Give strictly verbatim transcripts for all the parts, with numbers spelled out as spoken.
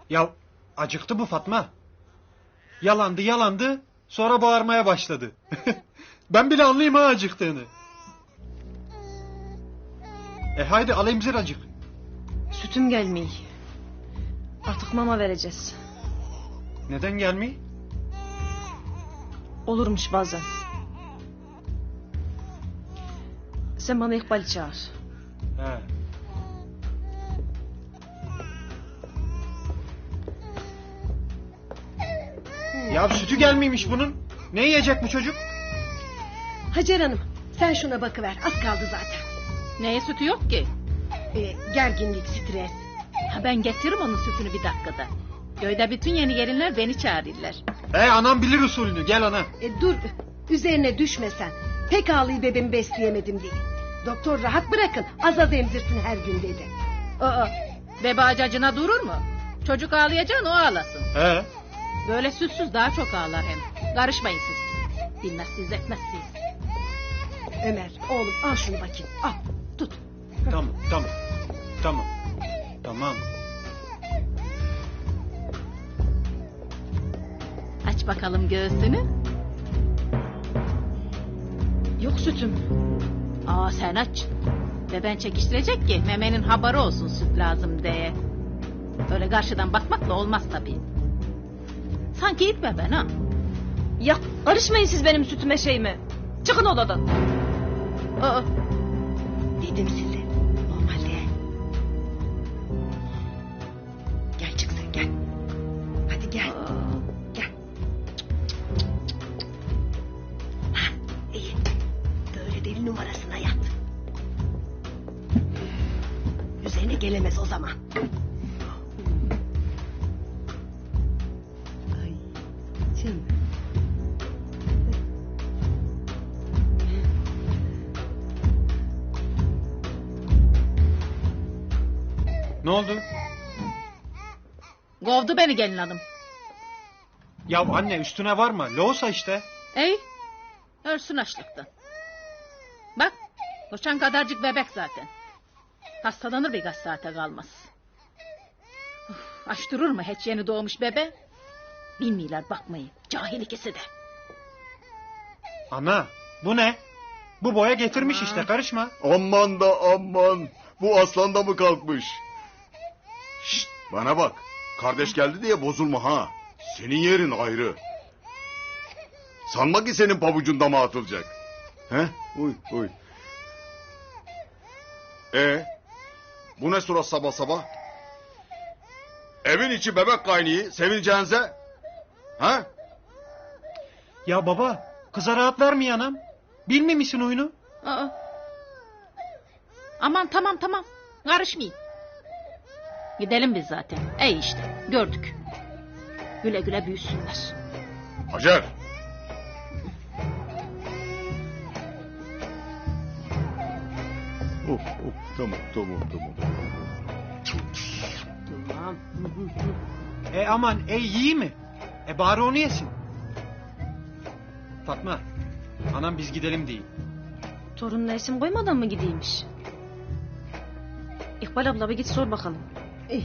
Ya acıktı bu Fatma. Yalandı yalandı sonra bağırmaya başladı. Ben bile anlayayım ha acıktığını. E haydi al emzir acık. Sütüm gelmiyor. Artık mama vereceğiz. Neden gelmiyor? Olurmuş bazen. Sen bana İkbal'i çağır. He. Ya sütü gelmiymiş bunun. Ne yiyecek bu çocuk? Hacer Hanım, sen şuna bakıver. Az kaldı zaten. Neye sütü yok ki? Ee, gerginlik, stres. Ha, ben getiririm onun sütünü bir dakikada. Köyde bütün yeni gelinler beni çağırırlar. He anam bilir usulünü, gel ana. E, dur, üzerine düşme sen. Pek ağlayı bebeğimi besleyemedim diye. Doktor rahat bırakın, az az emzirsin her gün dedi. Aa, bebe acacına durur mu? Çocuk ağlayacağını o ağlasın. He. Böyle sütsüz daha çok ağlar hem. Karışmayın siz. Bilmezsiniz etmezsiniz. Ömer, oğlum al şunu bakayım. Al, tut. Tamam, tamam. Tamam. Tamam. Aç bakalım göğsünü. Yok sütüm. Aa sen aç. Beben çekiştirecek ki memenin haberi olsun süt lazım diye. Öyle karşıdan bakmakla olmaz tabii. Sanki itme ben ha. Ya karışmayın siz benim sütüme şeyime. Çıkın odadan. Aa, Dedim size, normalde. Gel çık sen, gel. Hadi gel, gel. Ha, iyi. Böyle deli numarasına yat. Üzerine gelemez o zaman. Ay, canım. Ne oldu? kovdu beni gelin hanım. Ya anne üstüne varma. Loğusa işte. Ey, ölsün açlıktan. Bak, koşan kadarcık bebek zaten. Hastalanır birkaç saate kalmaz. Uf, aç durur mu hiç yeni doğmuş bebe? Bilmiyorlar bakmayın, cahil ikisi de. Ana bu ne? Bu boya getirmiş işte, karışma. Aman da aman. Bu aslan da mı kalkmış? Şşt, bana bak. Kardeş geldi diye bozulma ha. Senin yerin ayrı. Sanma ki senin pabucun dama atılacak. He? Uy uy. E, bu ne surat sabah sabah? Evin içi bebek kaynıyor sevineceğinize. Ha? Ya baba kıza rahat vermiyor anam. Bilmiyor musun oyunu? Aa. Aman tamam tamam, karışmayın. Gidelim biz zaten. Ey işte, gördük. Güle güle büyüsünler. Hacer. Of of tamam tamam tamam. Tamam. E aman ey iyi mi? E bari onu yesin. Fatma anam biz gidelim değil. Torununa isim koymadan mı gideymiş? İkbal abla bir git sor bakalım. İyi.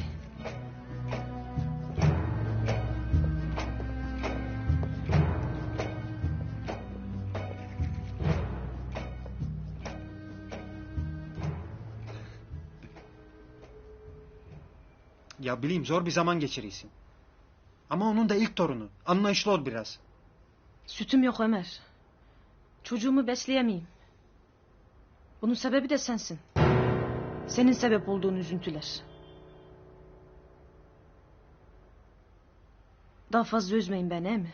Ya bileyim zor bir zaman geçiriyorsun. Ama onun da ilk torunu. Anlayışlı ol biraz. Sütüm yok Ömer. Çocuğumu besleyemeyim. Bunun sebebi de sensin. Senin sebep olduğun üzüntüler. Daha fazla üzmeyin beni, he mi?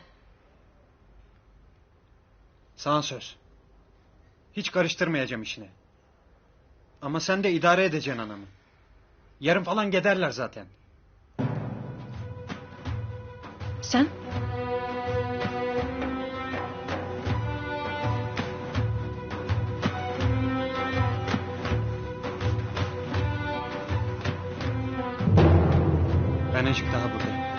Sana söz. Hiç karıştırmayacağım işine. Ama sen de idare edeceksin anamı. Yarın falan giderler zaten. Sen? Ben azıcık daha buradayım.